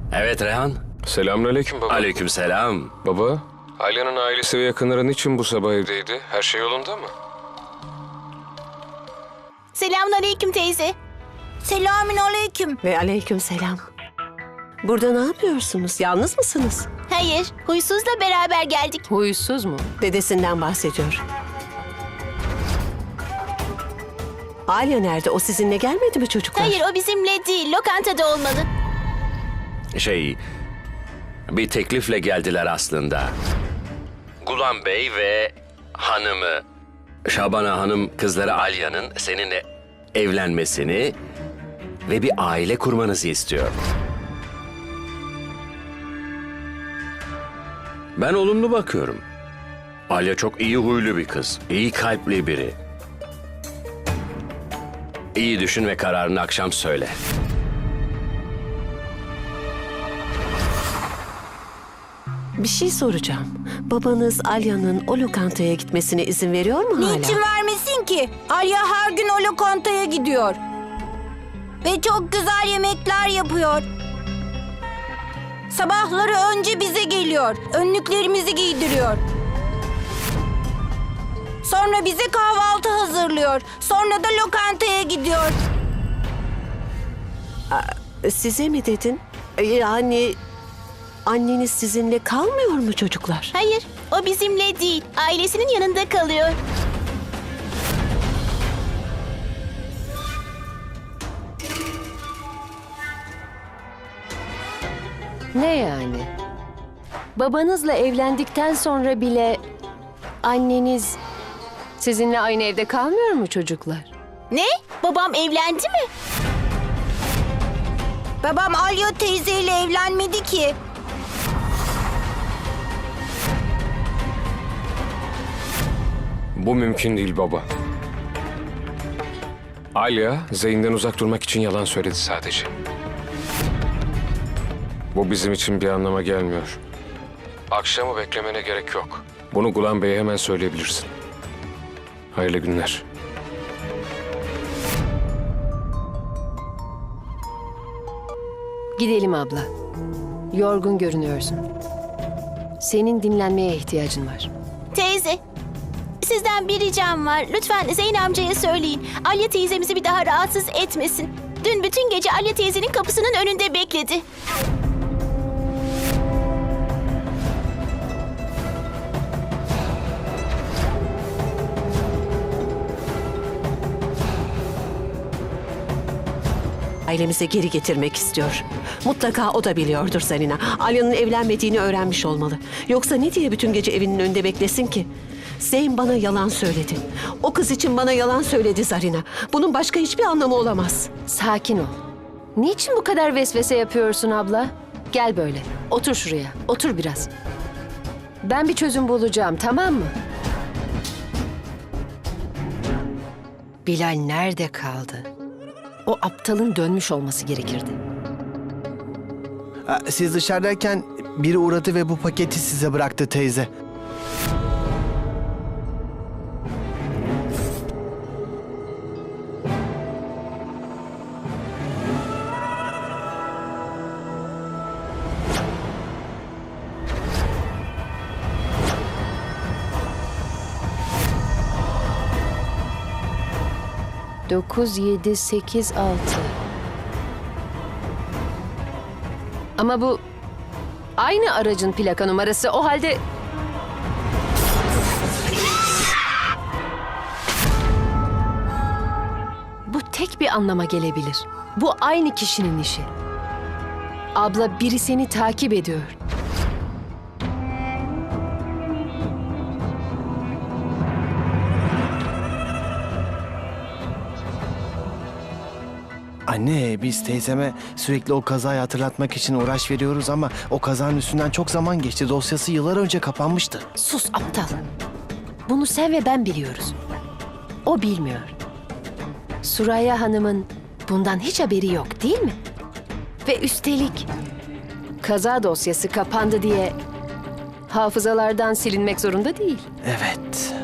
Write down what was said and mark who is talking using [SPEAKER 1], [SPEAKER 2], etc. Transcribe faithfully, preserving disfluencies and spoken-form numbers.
[SPEAKER 1] Evet Rehan.
[SPEAKER 2] Selamünaleyküm baba.
[SPEAKER 1] Aleykümselam.
[SPEAKER 2] Baba, Alya'nın ailesi ve yakınları niçin bu sabah evdeydi? Her şey yolunda mı?
[SPEAKER 3] Selamünaleyküm teyze. Selamünaleyküm.
[SPEAKER 4] Ve aleykümselam. Burada ne yapıyorsunuz? Yalnız mısınız?
[SPEAKER 3] Hayır, huysuzla beraber geldik.
[SPEAKER 4] Huysuz mu? Dedesinden bahsediyor. Alya nerede? O sizinle gelmedi mi çocuklar?
[SPEAKER 3] Hayır, o bizimle değil, lokantada olmalı.
[SPEAKER 1] Şey, bir teklifle geldiler aslında. Gulam Bey ve hanımı, Şabana Hanım kızları Alya'nın seninle evlenmesini ve bir aile kurmanızı istiyor. Ben olumlu bakıyorum. Alya çok iyi huylu bir kız, iyi kalpli biri. İyi düşün ve kararını akşam söyle.
[SPEAKER 4] Bir şey soracağım. Babanız Alya'nın o lokantaya gitmesine izin veriyor mu hala?
[SPEAKER 5] Niçin vermesin ki? Alya her gün o lokantaya gidiyor. Ve çok güzel yemekler yapıyor. Sabahları önce bize geliyor. Önlüklerimizi giydiriyor. Sonra bize kahvaltı hazırlıyor. Sonra da lokantaya gidiyor.
[SPEAKER 4] Size mi dedin? Yani anneniz sizinle kalmıyor mu çocuklar?
[SPEAKER 3] Hayır, o bizimle değil, ailesinin yanında kalıyor.
[SPEAKER 6] Ne yani? Babanızla evlendikten sonra bile anneniz sizinle aynı evde kalmıyor mu çocuklar?
[SPEAKER 3] Ne? Babam evlendi mi?
[SPEAKER 5] Babam Alya teyzeyle evlenmedi ki.
[SPEAKER 2] Bu mümkün değil baba. Alya, Zeyn'den uzak durmak için yalan söyledi sadece. Bu bizim için bir anlama gelmiyor. Akşamı beklemene gerek yok. Bunu Gulam Bey'e hemen söyleyebilirsin. Hayırlı günler.
[SPEAKER 6] Gidelim abla. Yorgun görünüyorsun. Senin dinlenmeye ihtiyacın var.
[SPEAKER 3] Teyze, sizden bir ricam var. Lütfen Zeyn amcaya söyleyin. Alya teyzemizi bir daha rahatsız etmesin. Dün bütün gece Alya teyzenin kapısının önünde bekledi.
[SPEAKER 4] Ailemize geri getirmek istiyor. Mutlaka o da biliyordur Zarina. Alya'nın evlenmediğini öğrenmiş olmalı. Yoksa ne diye bütün gece evinin önünde beklesin ki? Zeyn bana yalan söyledi. O kız için bana yalan söyledi Zarina. Bunun başka hiçbir anlamı olamaz.
[SPEAKER 6] Sakin ol. Niçin bu kadar vesvese yapıyorsun abla? Gel böyle. Otur şuraya. Otur biraz. Ben bir çözüm bulacağım, tamam mı? Bilal nerede kaldı? O aptalın dönmüş olması gerekirdi.
[SPEAKER 7] Ha, Siz dışarıdayken biri uğradı ve bu paketi size bıraktı teyze.
[SPEAKER 6] Dokuz, yedi, sekiz, altı. Ama bu aynı aracın plaka numarası. O halde... Bu tek bir anlama gelebilir. Bu aynı kişinin işi. Abla, biri seni takip ediyor.
[SPEAKER 7] Anne, biz teyzeme sürekli o kazayı hatırlatmak için uğraş veriyoruz ama o kazanın üstünden çok zaman geçti. Dosyası yıllar önce kapanmıştı.
[SPEAKER 6] Sus aptal. Bunu sen ve ben biliyoruz. O bilmiyor. Suraya Hanım'ın bundan hiç haberi yok, değil mi? Ve üstelik kaza dosyası kapandı diye hafızalardan silinmek zorunda değil.
[SPEAKER 7] Evet.